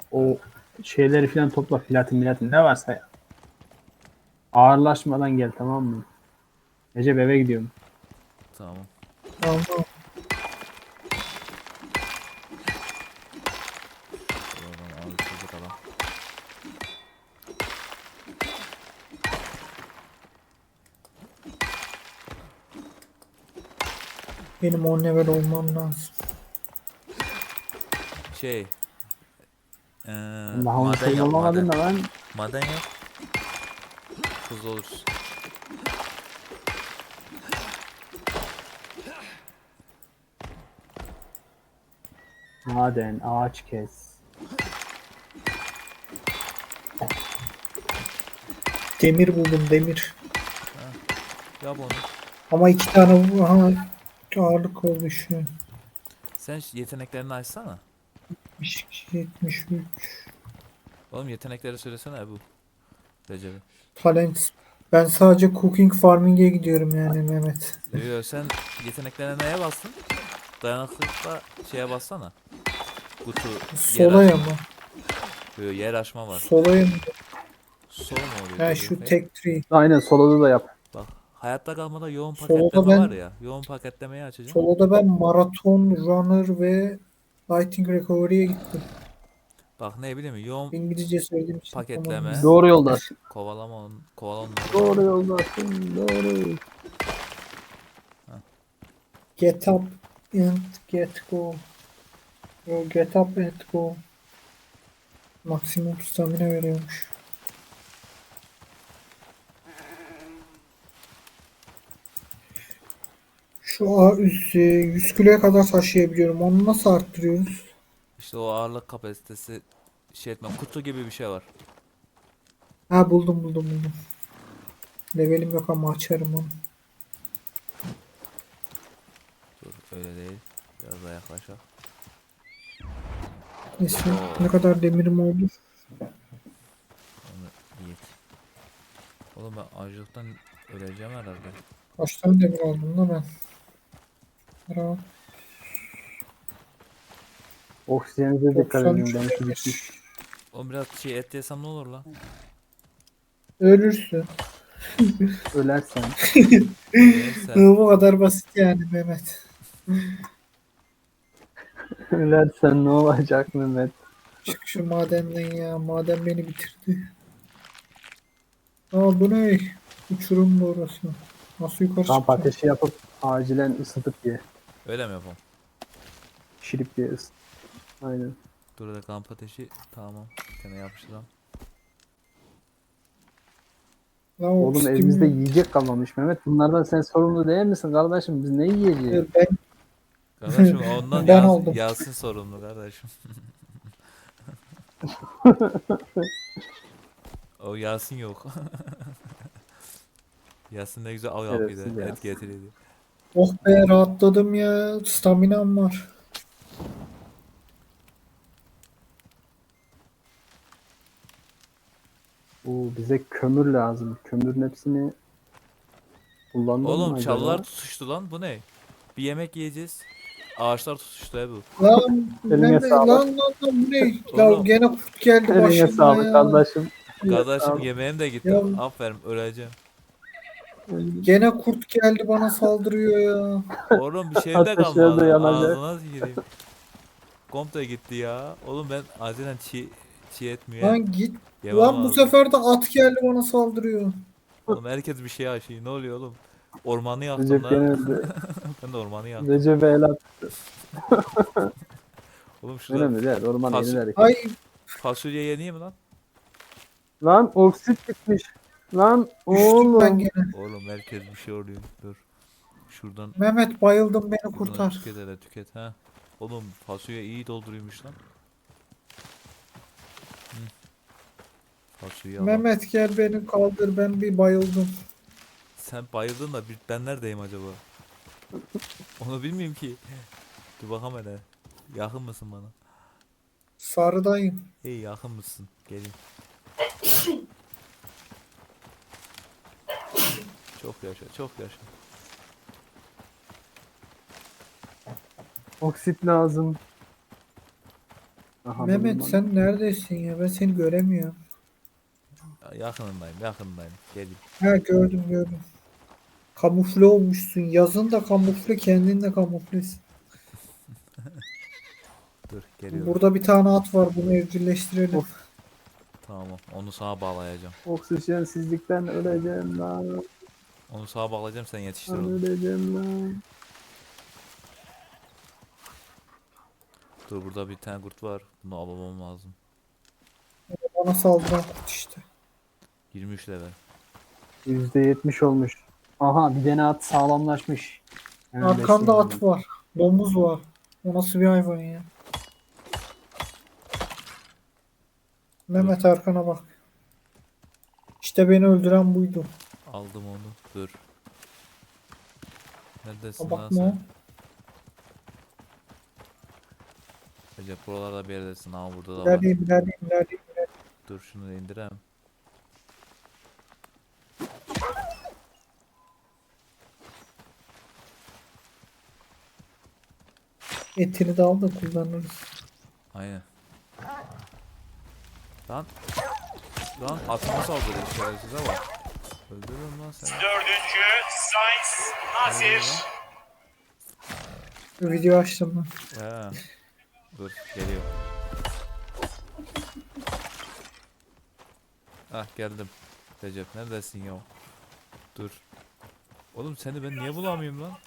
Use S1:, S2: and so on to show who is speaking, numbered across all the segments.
S1: O şeyleri falan topla, platin ne varsa ya. Ağırlaşmadan gel, tamam mı? Recep, eve gidiyorum.
S2: Tamam.
S3: Tamam.
S2: Oradan abi çocuk adam.
S3: Benim 10 level olmam lazım.
S2: Şey.
S1: Daha onu
S2: Maden
S1: şey
S2: yap maden.
S1: olamadın da lan.
S2: Maden yap. Hızlı oluruz.
S1: Maden, ağaç kes.
S3: Demir buldum, demir.
S2: Yap onu.
S3: Ama 2 tane aha, ağırlık oldu şu an.
S2: Sen yeteneklerini açsana.
S3: 72, 73.
S2: Oğlum yetenekleri söylesene bu. Recep'e.
S3: Talent. Ben sadece cooking farming'e gidiyorum yani Mehmet.
S2: Yo, sen yeteneklerine neye bastın? Dayanıklılıkla şeye bassana. Kutu yer
S3: Solaya
S2: açma.
S3: mı?
S2: Yo, yer açma var.
S3: Solaya mı?
S2: Sol mu oluyor?
S3: Ha
S2: Dur
S3: şu
S2: bakayım.
S3: tek tree.
S1: Aynen, solada da yap.
S2: Bak, hayatta kalmada yoğun
S3: Solada
S2: paketleme var
S3: ben
S2: ya. Yoğun paketlemeyi açacağım.
S3: solada ben maraton runner ve lighting recovery'ye gittim.
S2: Bak ne bileyim yoğun
S3: İngilizce söylediğim için tamam.
S2: paketleme.
S1: Doğru yoldasın.
S2: Kovalama onları.
S1: Doğru yoldasın. Doğru.
S3: Get up and get go. Yo, get up and go. Maksimum stamina veriyormuş. Şu üst 100 kiloya kadar taşıyabiliyorum. Onu nasıl arttırıyoruz?
S2: İşte o ağırlık kapasitesi şey etmem. Kutu gibi bir şey var.
S3: Ha buldum. Levelim yok ama açarım onu.
S2: Dur öyle değil. Biraz daha yaklaşak.
S3: Neyse ne kadar demirim oldu.
S2: Onu iyi. Oğlum ben açlıktan öleceğim herhalde.
S3: Kaç tane demir aldım da ben. Bravo.
S1: Oksijenize dikkat
S3: 93
S1: edin. Benimki
S3: demir.
S1: bitmiş.
S2: Oğlum biraz şey et yesem ne olur lan?
S3: Ölürsün.
S1: Ölersen.
S2: Neyse.
S3: Bu kadar basit yani Mehmet.
S1: Ölersen ne olacak Mehmet?
S3: Çık şu madenden ya. Maden beni bitirdi. Aa bu ne? Uçurum bu orası. Nasıl yukarı
S1: Kamp
S3: çıkacağım?
S1: ateşi yapıp acilen ısıtıp ye.
S2: Öyle mi yapalım?
S1: Pişirip ye, ısıt. Aynen.
S2: Dur da kamp ateşi tamam. Bir tane yapıştıralım.
S3: Lan
S1: Oğlum, evimizde
S3: oksidim
S1: yiyecek kalmamış Mehmet. Bunlardan sen sorumlu değil misin kardeşim? Biz ne yiyeceğiz?
S3: ben
S2: Kardeşim ondan
S3: ben aldım.
S2: Yasin sorumlu kardeşim. O Yasin yok. Yasin ne güzel av yapıyordu.
S1: Şerefsiz ya.
S2: Et getiriyordu.
S3: Oh be rahatladım ya. Staminam var.
S1: Bize kömür lazım. Kömürün hepsini kullandın mı
S2: Oğlum çalılar
S1: acaba?
S2: tutuştu lan bu ne? Bir yemek yiyeceğiz. Ağaçlar tutuştu bu.
S3: Lan
S1: Eline
S3: Mehmet
S1: sağlık.
S3: lan bu ne? Ya
S2: Oğlum
S3: gene kurt geldi
S1: Eline
S3: başıma
S1: sağlık
S3: ya.
S1: kardeşim. Eline
S2: kardeşim
S1: sağlık.
S2: yemeğim de gitti.
S3: Ya
S2: Aferin öleceğim.
S3: gene kurt geldi bana saldırıyor ya.
S2: Oğlum bir şeyim de
S1: Ateşler de
S2: kalmadı.
S1: yanacak.
S2: Ağzına gireyim. Komple gitti ya. Oğlum ben acilen çiğ et müye
S3: Lan git.
S2: yemem
S3: Lan bu
S2: lazım.
S3: sefer de at geldi bana saldırıyor.
S2: Oğlum herkes bir şey aşıyor. Ne oluyor oğlum? Ormanı yaktım
S1: Recep gene
S2: la.
S1: öldü.
S2: Ben de ormanı yaktım.
S1: Recep'e el at.
S2: Oğlum şurada
S1: Önemli değil. Orman
S2: fasul
S1: yeniler.
S3: Ay
S2: fasulye yeneyim mi lan?
S1: Lan oksit bitmiş. Lan
S3: düştüm ben
S1: oğlum.
S3: gene.
S2: Oğlum herkes bir şey oluyor. Dur. Şuradan
S3: Mehmet bayıldım beni
S2: şuradan
S3: kurtar.
S2: tüket hele tüket ha. Oğlum fasulye iyi dolduruyormuş lan. Fasulye al.
S3: Mehmet gel beni kaldır ben bir bayıldım.
S2: Sen bayıldın da ben neredeyim acaba? Onu bilmiyorum ki. Dur bakalım hele. Yakın mısın bana?
S3: Sarıdayım.
S2: İyi yakın mısın? Gelin. Çok yaşa, çok yaşa.
S1: Oksit lazım. Aha,
S3: Mehmet
S1: buldum
S3: sen neredesin ya? Ben seni göremiyorum.
S2: Yakınındayım. Geleyim.
S3: Ha, gördüm gördüm. Kamufle olmuşsun. Yazın da kamufle, kendin de kamuflesin.
S2: Dur geliyorum.
S3: Burada bir tane at var. Bunu evcilleştirelim.
S1: Of,
S2: Tamam. Onu sağa bağlayacağım.
S1: oksijensizlikten öleceğim lan.
S2: Onu sağa bağlayacağım, sen yetiştir
S1: Ben
S2: onu.
S1: öleceğim lan.
S2: Dur, burada bir tane kurt var. Bunu almam lazım.
S3: Bana saldıran kurt işte.
S2: 23 level.
S1: %70 olmuş. Aha, bir tane at sağlamlaşmış. Hemen
S3: Arkanda
S1: besleyeyim
S3: at var. Domuz var. O nasıl bir hayvan ya? Mehmet arkana bak. İşte beni öldüren buydu.
S2: Aldım onu. Dur. Neredesin
S3: Ha,
S2: lan
S3: bakma o.
S2: sen? Recep buralarda bir yerdesin. Ama burada da var.
S3: İlerleyeyim ilerleyeyim ilerleyeyim.
S2: Dur şunu da indirem.
S3: Etini de al da kullanırız.
S2: Aynen. Lan. Lan atıma saldırıyor şerefsize bak. Öldürüyorum lan seni.
S4: Dördüncü Sainz Nasir.
S3: Video açtım ben.
S2: He. Dur geliyor. Ah geldim. Recep neredesin ya? Dur. Oğlum seni ben niye bulamıyorum lan?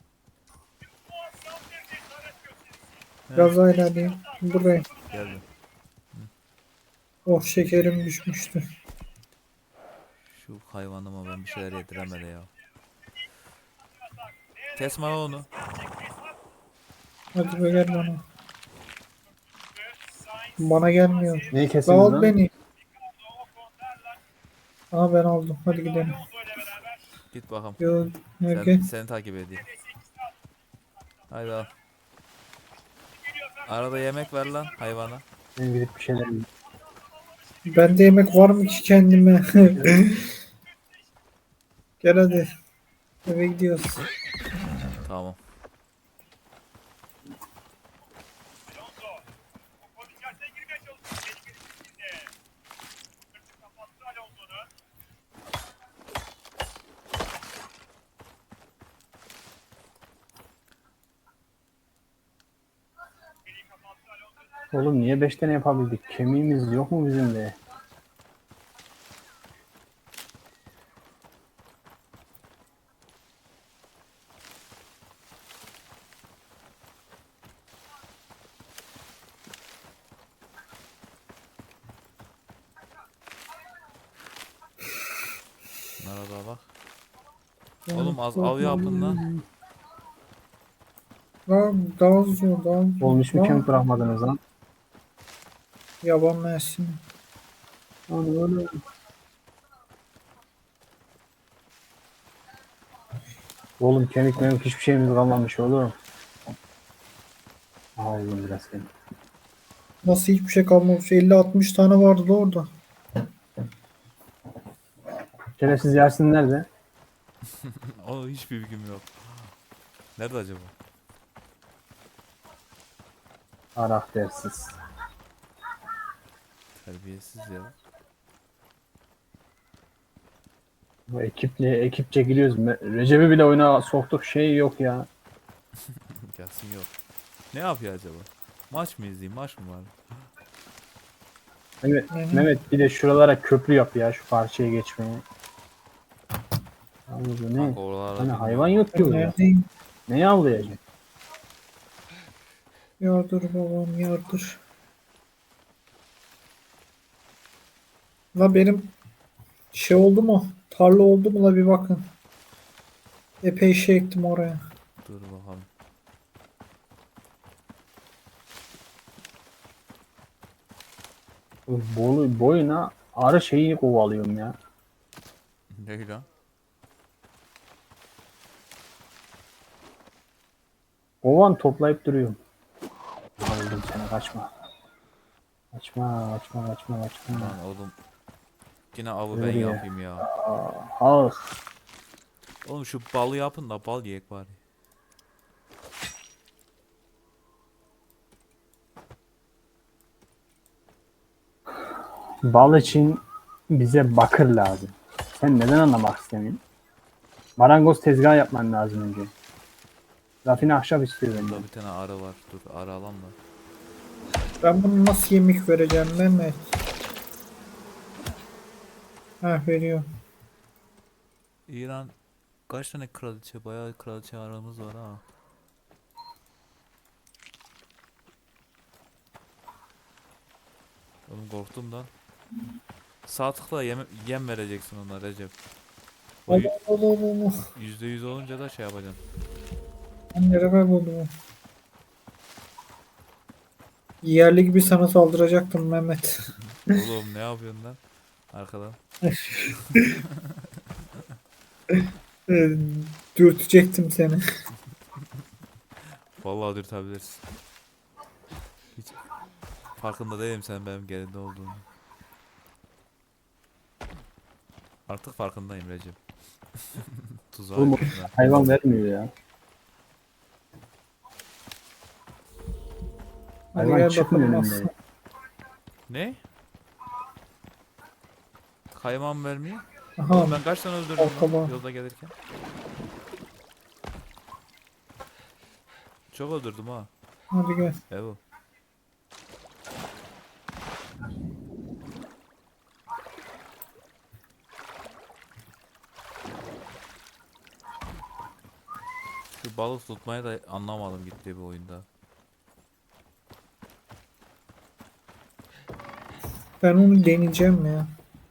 S3: Biraz daha ilerleyeyim. Buradayım.
S2: Geldim.
S3: Oh, şekerim düşmüştü.
S2: Şu hayvanıma ben bir şeyler yediremedi ya. Kesme lan onu.
S3: Hadi be gel bana. Bana gelmiyor.
S1: Neyi
S3: La
S1: kesiniz
S3: al
S1: lan?
S3: beni. Aha ben aldım. Hadi gidelim.
S2: Git bakalım.
S3: Yo, gel.
S2: Seni takip edeyim. Haydi al. Arada yemek ver lan hayvana.
S1: Ben gidip bir şeyler yiyeyim.
S3: Bende yemek var mı ki kendime? Gel hadi. Eve gidiyoruz.
S2: Tamam.
S1: Oğlum niye 5 tane yapabildik? Kemiğimiz yok mu bizim de?
S2: Nerede bak. Oğlum az av yapın lan.
S3: Lan daha zor daha zor.
S1: Olmuş mu
S3: Lan,
S1: kemik bırakmadınız lan?
S3: yaban mersini.
S1: Onu. Oğlum kemik memik hiçbir şeyimiz kalmamış oğlum. Aldım biraz kemik.
S3: Nasıl hiçbir şey kalmamış? 50-60 tane vardı da orada.
S1: Şerefsiz Yasin nerede?
S2: O hiçbir bilgim yok. Nerede acaba?
S1: Karaktersiz.
S2: Terbiyesiz ya.
S1: Bu ekipçe giriyoruz. Recep'i bile oyuna soktuk, şey yok ya.
S2: Gelsin yok. Ne yapıyor acaba? Maç mı izleyeyim? Maç mı var?
S1: Mehmet bir de şuralara köprü yap ya, şu karşıya geçmeye. Abi bu ne?
S2: Bak oralarda
S1: Hani
S2: bilmiyorum.
S1: hayvan yok ki
S3: Ben
S1: burada.
S3: neredeyim?
S1: Neyi avlayacak?
S3: Yardır babam yardır. La benim şey oldu mu? Tarla oldu mu la bir bakın. Epey şey ektim oraya.
S2: Dur bakalım.
S1: Boyuna arı şeyi kovalıyorum ya.
S2: Ne lan?
S1: Kovan toplayıp duruyorum. Aldım seni, kaçma. Kaçma.
S2: Lan oğlum. Yine avı ben
S1: Nereye?
S2: yapayım ya.
S1: Al.
S2: Oğlum şu balı yapın da bal yiyek bari.
S1: Bal için bize bakır lazım. Sen neden anlamak istemiyorsun? Marangoz tezgahı yapman lazım önce. Rafine ahşap istiyor benden.
S2: Burada bir tane arı var. Dur arı alalım da.
S3: Ben bunu nasıl yemek vereceğim Mehmet? Ha veriyor.
S2: İran kaç tane kraliçe? Bayağı kraliçe aramız var ha. Oğlum korktum da. Sağ tıkla yem vereceksin ona Recep. O
S3: Allah Allah Allah Allah.
S2: %100 olunca da şey yapacaksın.
S3: Ben nereye buldum? Yerli gibi sana saldıracaktım Mehmet.
S2: Oğlum ne yapıyorsun lan? Arkadan.
S3: Dürtecektim seni.
S2: Vallahi dürtebilirsin. Hiç farkında değilim sen benim geride olduğunu. Artık farkındayım Recep. Tuzağa
S1: Oğlum,
S2: düştüm
S1: hayvan vermiyor ya.
S3: Hadi
S1: Hayvan
S3: gel
S1: çıkmıyor
S3: bakalım
S1: önümde.
S3: aslan.
S2: Ne? Kaymağım vermiyor.
S3: Aha.
S2: Oğlum ben kaç tane öldürdüm lan
S3: Arkama.
S2: yolda gelirken. Çok öldürdüm ha.
S3: Hadi gel.
S2: Evet. Şu balık tutmayı da anlamadım gitti bu oyunda.
S3: Ben onu deneyeceğim ya.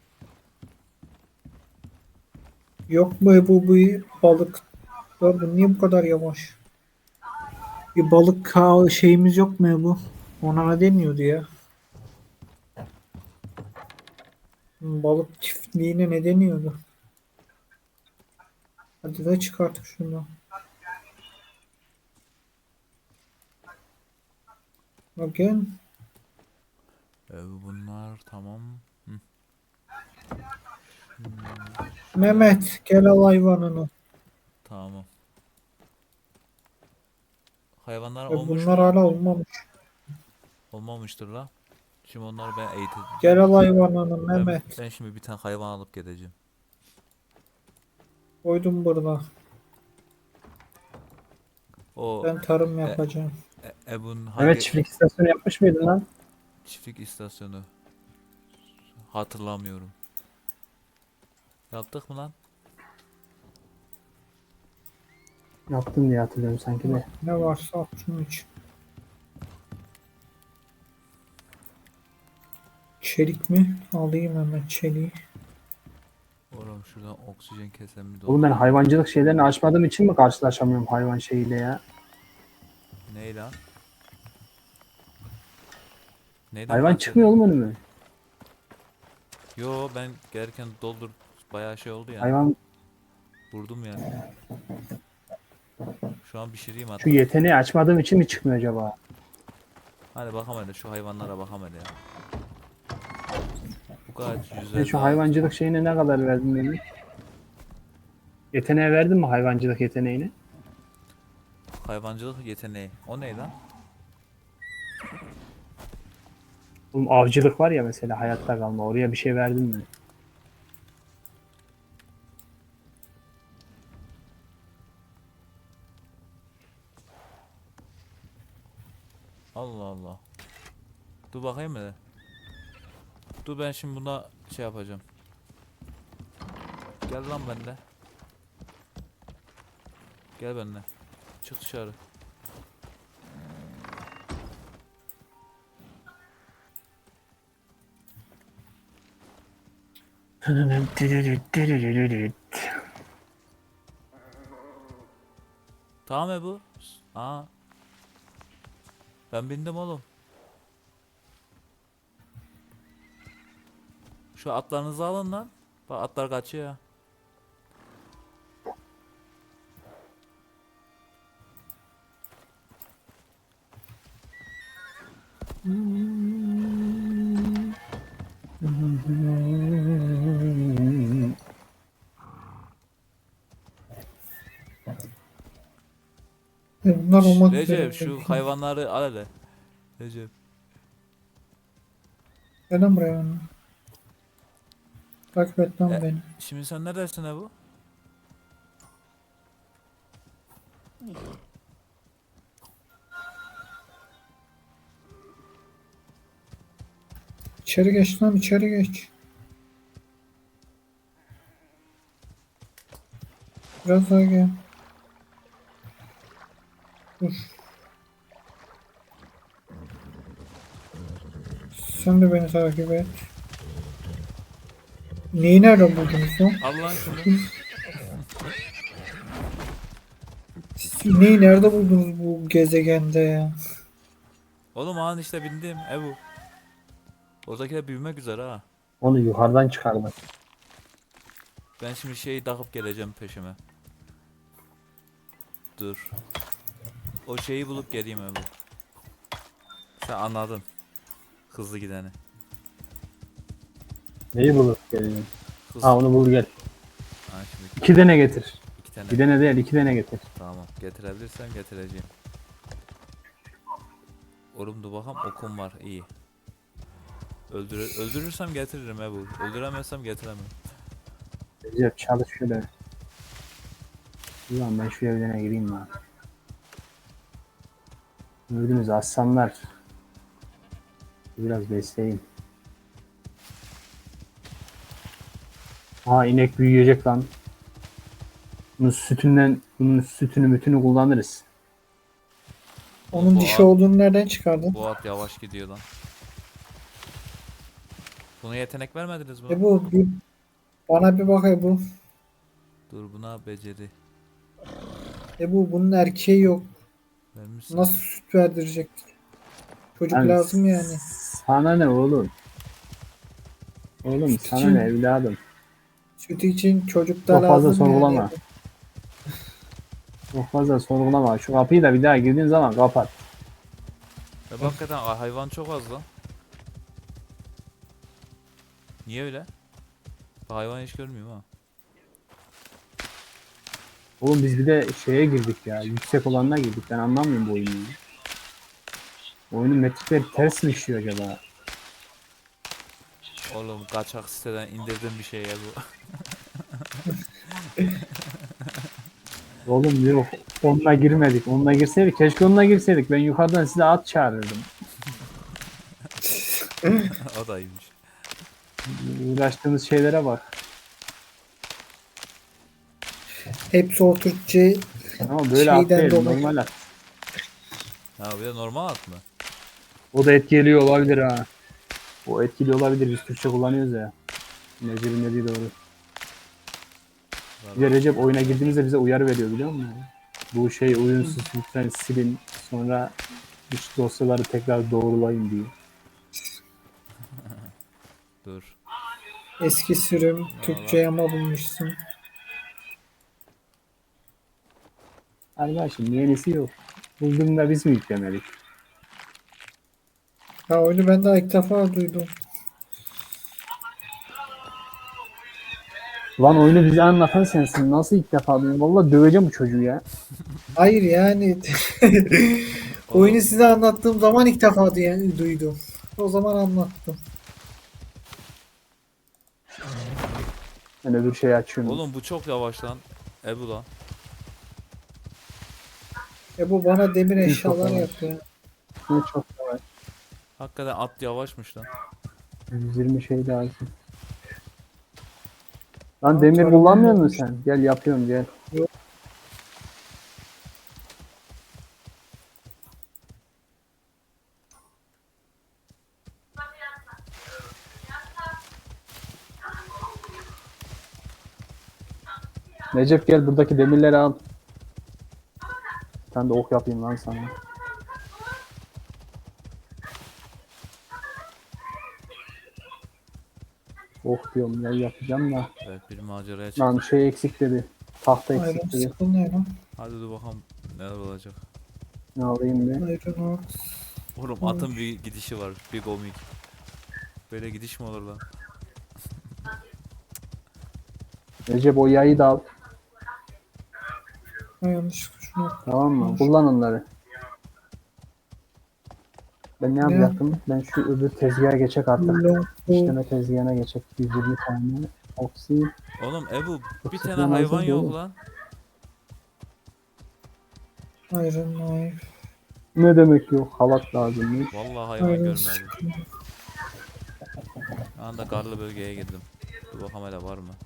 S3: Yok mu bu balık? Ya bu niye bu kadar yavaş? Bir balık şeyimiz yok mu bu? Ona ne deniyordu ya? Balık çiftliğine ne deniyordu? Hadi de çıkartıp şunu. Bakın.
S2: Bunlar tamam. Hı.
S3: Mehmet gel al hayvanını.
S2: Tamam. Hayvanlar
S3: Ya
S2: olmuş
S3: bunlar
S2: mu?
S3: hala olmamış.
S2: Olmamıştır la. Şimdi onları ben eğiteceğim.
S3: Gel al hayvanını
S2: Ben,
S3: Mehmet.
S2: ben şimdi bir tane hayvan alıp gideceğim.
S3: Koydum burada.
S2: O
S3: Ben tarım yapacağım.
S2: Ebun hangi
S1: Evet, çiftlik istasyonu yapmış mıydın lan?
S2: çiftlik istasyonu? Hatırlamıyorum. Yaptık mı lan?
S1: Yaptın diye hatırlıyorum sanki de.
S3: Ne varsa at şunu iç. Çelik mi? Alayım hemen çeliği.
S2: Oğlum şuradan oksijen kesen bir
S1: Oğlum ben
S2: doldu.
S1: hayvancılık şeylerini açmadığım için mi karşılaşamıyorum hayvan şeyiyle ya?
S2: Ney lan? Neyden
S1: Hayvan
S2: bahsediyorsun?
S1: çıkmıyor oğlum önüme.
S2: Yo ben gelirken doldur bayağı şey oldu ya.
S1: Hayvan
S2: Vurdum yani. Şu an pişireyim hatta.
S1: şu yeteneği açmadığım için mi çıkmıyor acaba?
S2: Hadi bakalım hele şu hayvanlara bakalım hele ya. Bu kadar
S1: Ben
S2: güzel.
S1: şu hayvancılık şeyine ne kadar verdim benim? Yeteneğe verdin mi hayvancılık yeteneğini?
S2: Hayvancılık yeteneği. O ne lan?
S1: Oğlum avcılık var ya mesela, hayatta kalma, oraya bir şey verdin mi?
S2: Allah Allah. Dur bakayım hele. Dur ben şimdi buna şey yapacağım. Gel lan benimle. Gel benimle. Çık dışarı. Tamam bu. Aa. Ben bindim oğlum. Şu atlarınızı alın lan. Bak atlar kaçıyor ya.
S3: Bunlar olmak üzere.
S2: Recep şu hayvanları al hele. Recep.
S3: Gel lan buraya. Takip et lan
S2: E,
S3: beni.
S2: Şimdi sen neredesin Ebu?
S3: İçeri geç lan, içeri geç. Biraz daha gel. Dur. Sen de beni takip et. Neyi nerede buldunuz lan?
S2: Al lan şunu.
S3: Siz neyi nerede buldunuz bu gezegende ya?
S2: Oğlum an işte bindim Ebu. Oradakiler büyümek üzere ha.
S1: Onu yukarıdan çıkardım.
S2: Ben şimdi şeyi takıp geleceğim peşime. Dur. O şeyi bulup geleyim Ebu. Sen anladın. Hızlı gideni.
S1: Neyi bulup geliyorum?
S2: Hızlı.
S1: Ha onu bul gel.
S2: Ha, şimdi
S1: 2 tane getir.
S2: 2 tane.
S1: Bir tane değil 2 tane getir.
S2: Tamam. Getirebilirsem getireceğim. Oğlum dur bakalım okum var. İyi. Öldürürsem getiririm Ebu. Öldüremezsem getiremem.
S1: Recep çalış şöyle. Ulan ben şu evlerine gireyim lan. Gördünüz aslanlar. Biraz besleyin. Aa inek büyüyecek lan. Bunun sütünü mütünü kullanırız.
S3: Onun
S2: Bu
S3: dişi
S2: at-
S3: olduğunu nereden çıkardın?
S2: Bu at yavaş gidiyor lan. Buna yetenek vermediniz mi?
S3: Bu bana bir bak Ebu.
S2: Dur buna beceri.
S3: Bunun erkeği yok.
S2: Vermişsin.
S3: Nasıl süt verdirecek? Çocuk
S1: Yani
S3: lazım yani.
S1: Sana ne oğlum? Oğlum sana
S3: için-
S1: ne evladım?
S3: Süt için çocuk da
S1: Çok fazla
S3: lazım
S1: sorgulama.
S3: yani.
S1: Çok fazla sorgulama. Şu kapıyı da bir daha girdiğin zaman kapat.
S2: Hakikaten hayvan çok az lan. Niye öyle? Bu hayvan hiç görmüyorum ha.
S1: Oğlum biz bir de şeye girdik ya. Yüksek olanına girdik. Ben anlamıyorum bu oyunu. Ya. Oyunun metrikleri ters mi işliyor acaba?
S2: Oğlum kaçak siteden indirdim bir şey ya bu.
S1: Oğlum yok. Onunla girmedik. Onunla girseydik. Keşke onunla girseydik. Ben yukarıdan size at çağırırdım.
S2: O da iyiymiş.
S1: Uğraştığımız şeylere bak.
S3: Hepsi o Türkçe
S1: Ama böyle at
S3: şeyden
S1: değil.
S3: dolayı.
S1: Normal at.
S2: Ha bir de normal at mı?
S1: O da etkili olabilir ha. O etkili olabilir. Biz Türkçe kullanıyoruz ya. Recep'in dediği doğru. Bir de Recep oyuna girdiğimizde bize uyarı veriyor biliyor musun? Bu şey uyunsuz lütfen silin. Sonra iç dosyaları tekrar doğrulayın diye.
S2: Dur.
S3: Eski sürüm Türkçe yama bulmuşsun.
S1: Arkadaşım yenisi yok. Bulduğumda biz mi yüklemedik?
S3: Ha oyunu ben daha ilk defa duydum.
S1: Lan oyunu bize anlatan sensin. Nasıl ilk defa duyuyorum? Valla döveceğim bu çocuğu ya.
S3: Hayır yani oyunu size anlattığım zaman ilk defa duydum. O zaman anlattım.
S1: Ben öbür şeyi açıyorum.
S2: Oğlum bu çok yavaş lan. Ebu lan.
S3: Bu bana demir
S1: çok
S3: eşyalar
S1: yavaş.
S3: yapıyor.
S1: Ne çok yavaş.
S2: Hakikaten at yavaşmış lan.
S1: 120 şey lazım. Lan
S3: Aa,
S1: demir
S3: tarım
S1: kullanmıyor musun
S3: olmuş.
S1: sen? Gel yapıyorum gel.
S3: Yok.
S1: Recep gel buradaki demirleri al. Ben de ok yapayım lan sana. Ok diyorum ya yapacağım da.
S2: Evet bir maceraya çıktı.
S1: Lan şey eksik dedi. Tahta
S3: Iron
S1: eksik dedi.
S3: Skull ne lan?
S2: Hadi dur bakalım neler olacak.
S1: Ne alayım bir.
S3: Iron Ox.
S2: Oğlum atın bir gidişi var. Bir komik. Böyle gidiş mi olur lan?
S1: Recep o yayı da al.
S3: Ha, yanlış şunu.
S1: Tamam mı? Kullan onları. Ben ne
S3: Ne?
S1: yapacaktım? Ben şu öbür tezgaha geçecek artık.
S3: Long
S1: İşleme tezgahına geçecek. 120 tane. Oksi.
S2: Oğlum Ebu bir
S1: Oksijen
S2: tane hayvan
S1: hazır
S2: yok
S1: değil.
S2: lan.
S3: Iron knife.
S1: Ne demek yok? Halat lazımmış.
S2: Vallahi hayvan
S3: Iron
S2: görmedim.
S3: skin.
S2: Şu anda karlı bölgeye girdim. Dur bakalım hele var mı?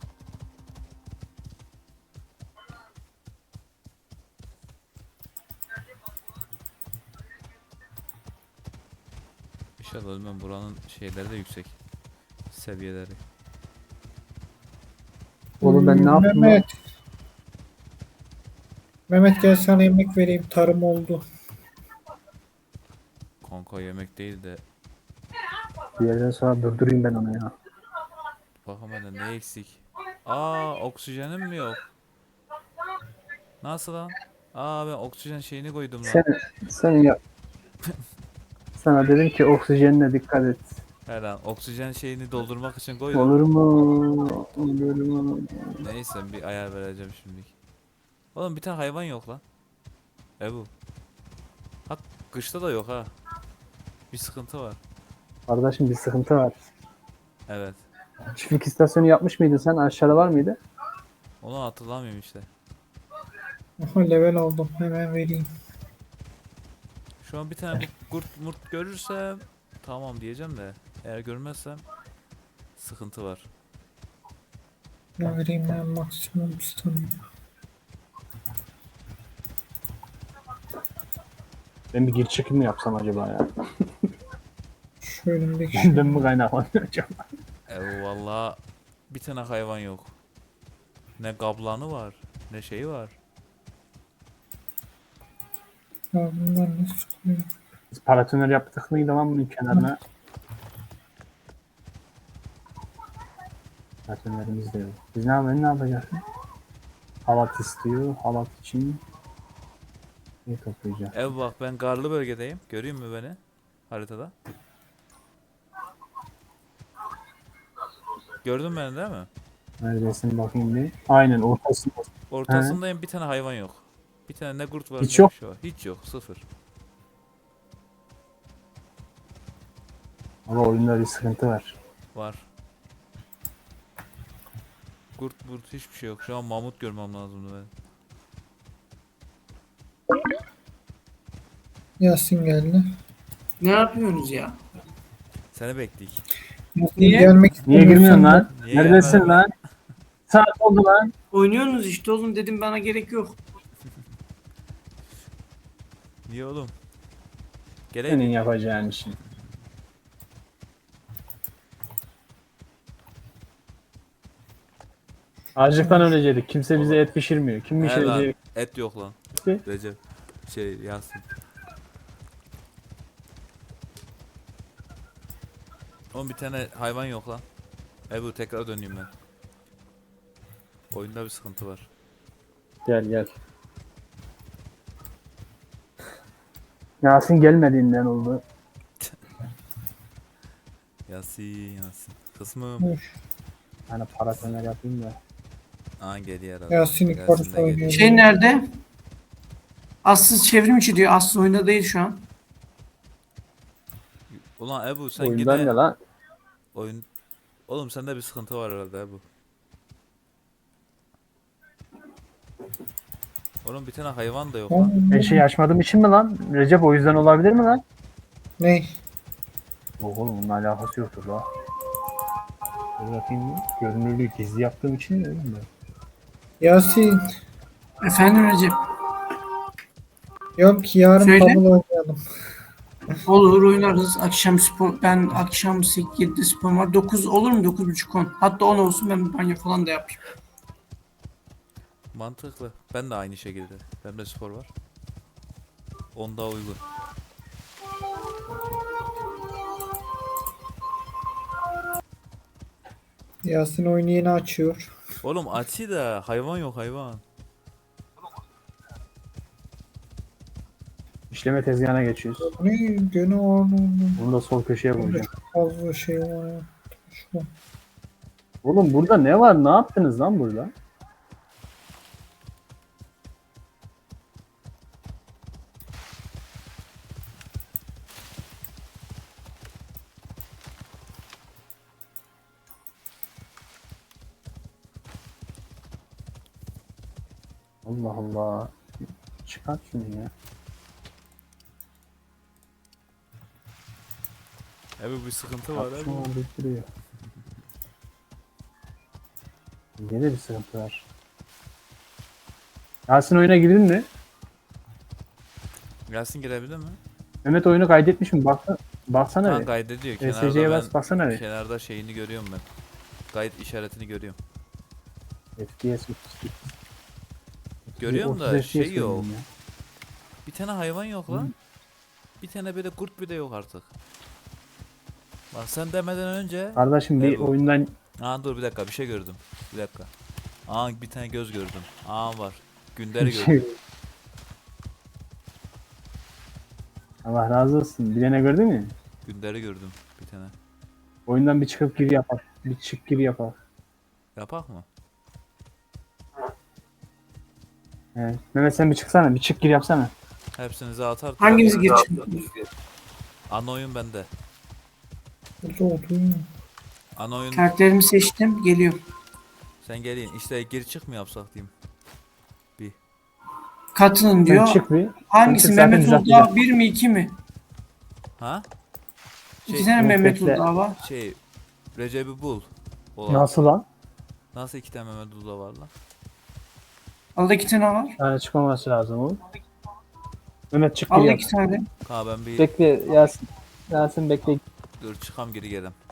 S2: İnşallah ölmem, buranın şeyleri de yüksek. Seviyeleri.
S1: Oğlum ben ne yaptım lan?
S3: Mehmet. Mehmet gel sana yemek vereyim. Tarım oldu.
S2: Kanka yemek değil de
S1: Bir yerden sonra durdurayım ben onu ya.
S2: bakalım hele ne eksik. Aa, oksijenim mi yok? Nasıl lan? Aa, ben oksijen şeyini koydum
S1: Sen,
S2: lan.
S1: sen yap. Sana dedim ki oksijenine dikkat et.
S2: He lan, oksijen şeyini doldurmak için koydum.
S1: Olur mu? Olur mu?
S2: Neyse, bir ayar vereceğim şimdilik. Oğlum bir tane hayvan yok lan. Ebu. Hak, kışta da yok ha. Bir sıkıntı var.
S1: Kardeşim bir sıkıntı var.
S2: Evet.
S1: Çiftlik istasyonu yapmış mıydın sen? Aşağıda var mıydı?
S2: Onu hatırlamıyorum işte.
S3: Aha level aldım. Hemen vereyim.
S2: Şu an bir tane bu kurt murt görürsem tamam diyeceğim de eğer görmezsem sıkıntı var.
S3: Ne vereyim ben maksimum stamina.
S1: Ben bir geri çekim mi yapsam acaba ya?
S3: Şu önümdeki
S1: Benden mi kaynaklanıyor acaba?
S2: Valla bir tane hayvan yok. Ne kablanı var, ne şeyi var.
S3: Ya bunlar ne sıkıyor?
S1: Biz paratoner yaptık mıydı lan bunun kenarına? Paratonerimiz de yok. Biz ne yapacağız? Halat istiyor. Halat için ne toplayacağız?
S2: Ev bak, ben karlı bölgedeyim. Görüyor musun beni haritada? Gördün beni değil mi?
S1: Neredesin bakayım bir. Aynen ortasında.
S2: Ortasındayım, bir tane hayvan yok. Bir tane ne kurt var
S1: Hiç
S2: ne
S1: yok.
S2: bir şey var. Hiç yok, sıfır.
S1: Ama oyunda bir sıkıntı var.
S2: Var. Kurt hiçbir şey yok. Şu an mamut görmem lazımdı benim.
S3: Yasin geldi.
S5: Ne yapıyorsunuz ya?
S2: Seni bekleyik.
S3: Yasin
S5: Niye?
S3: gelmek
S1: Niye
S3: istemiyorsan
S1: girmiyorsun
S3: da-
S1: lan?
S2: Niye
S1: Neredesin
S2: gelmedin
S1: lan? Saat oldu lan.
S5: Oynuyorsunuz işte oğlum, dedim bana gerek yok.
S2: Niye oğlum?
S1: Senin
S2: Geleydin.
S1: yapacağın işin. Açlıktan ölecektik. Kimse bize et pişirmiyor. Kim
S2: He lan,
S1: pişirecek?
S2: et yok lan.
S1: ki?
S2: Recep. Yasin. Oğlum bir tane hayvan yok lan. Ebu, tekrar döneyim ben. Oyunda bir sıkıntı var.
S1: Gel gel. Yasin gelmediğinden oldu.
S2: Yasin. Kısmım.
S3: Üf,
S1: Hani paratoner yapayım da.
S2: Aa, geliyor herhalde.
S3: Yasin
S2: Yasin
S3: yukarısı
S2: de geliyor.
S3: oynuyor.
S5: Şey nerede? Assız çevrim içi diyor. Assız oyunda değil şu an.
S2: Ulan Ebu, sen
S1: Oyundan
S2: yine
S1: ne lan?
S2: oyun... Oğlum sende bir sıkıntı var herhalde Ebu. Oğlum bir tane hayvan da yok lan.
S1: Ben şey açmadığım için mi lan? Recep o yüzden olabilir mi lan?
S3: Ne?
S1: Yok oğlum bunun alakası yoktur la. Dur bakayım bir. Görünürlüğü gizli yaptığım için mi öyle mi?
S3: Yasin.
S5: Efendim Recep.
S3: Yok yarın
S5: Söyle.
S3: Pablo oynayalım.
S5: Olur, oynarız. Akşam spor. Ben akşam 8-7'de spor var. 9 olur mu? 9.30 10. Hatta 10 olsun, ben banyo falan da yapayım.
S2: Mantıklı. Ben de aynı şekilde. Bende spor var. Onda uygun.
S3: Yasin oyunu yeni açıyor.
S2: Oğlum açı da hayvan yok, hayvan.
S1: İşleme tezgahına geçiyoruz.
S3: Ne? Gene Arnold'un
S1: Bunu da sol köşeye koyacağım.
S3: fazla şey var ya. Şu.
S1: Oğlum burada ne var? Ne yaptınız lan burada? Allah Allah. Çıkart şunu ya.
S2: Ebu bir sıkıntı var
S1: Şunu
S2: Ebu.
S1: bildiriyor. Yine bir sıkıntı var. Yasin oyuna girdin mi?
S2: Yasin girebilir mi?
S1: Mehmet oyunu kaydetmiş mi? Baksana
S2: Tamam
S1: bir.
S2: kaydediyor.
S1: SSC'ye
S2: Kenarda
S1: bas, baksana bir.
S2: kenarda şeyini görüyorum ben. Kayıt işaretini görüyorum.
S1: FPS 38.
S2: Görüyorum da
S1: 30
S2: şey
S1: FPS
S2: yok.
S1: oynuyorum ya.
S2: Bir tane hayvan yok lan. Bir tane böyle kurt bile yok artık. Bak sen demeden önce...
S1: Kardeşim bir
S2: Ebu.
S1: oyundan
S2: Aa dur bir dakika bir şey gördüm. Bir dakika. Aa bir tane göz gördüm. Aa var. Günder'i gördüm.
S1: şey. Allah razı olsun. Bilene gördün mü?
S2: Günder'i gördüm bir tane.
S1: Oyundan bir çıkıp gir yapar. Bir çık gir yapar.
S2: Yapak mı?
S1: Evet. Mehmet sen bir çıksana. Bir çık gir yapsana.
S2: Hepsinize atar.
S5: Hanginiz geçin?
S2: Ana oyun bende.
S3: Burada oturuyor.
S2: Ana oyun
S5: Karakterimi seçtim. Geliyor.
S2: sen gelin. İşte gir çık mı yapsak diyeyim.
S5: Katılın
S1: Sen
S5: diyor.
S1: çık bir.
S5: Hangisi?
S1: Sen çık zaten
S5: Mehmet
S1: düzelteceğim.
S5: Uludağ 1 mi 2 mi?
S2: Ha?
S5: İki
S2: Şey,
S5: tane Mehmet
S1: bekle.
S5: Uludağ var.
S2: şey Recep'i bul. Olan.
S1: Nasıl lan?
S2: Nasıl iki tane Mehmet Ula var lan?
S5: Alda 2 tane var.
S1: Yani çıkmaması lazım oğlum. Mehmet çık gir
S5: Alda
S1: yap.
S5: 2 tane.
S2: Ha ben bir
S1: Bekle Yasin. Yasin bekle.
S2: dur çıkam geri gelem.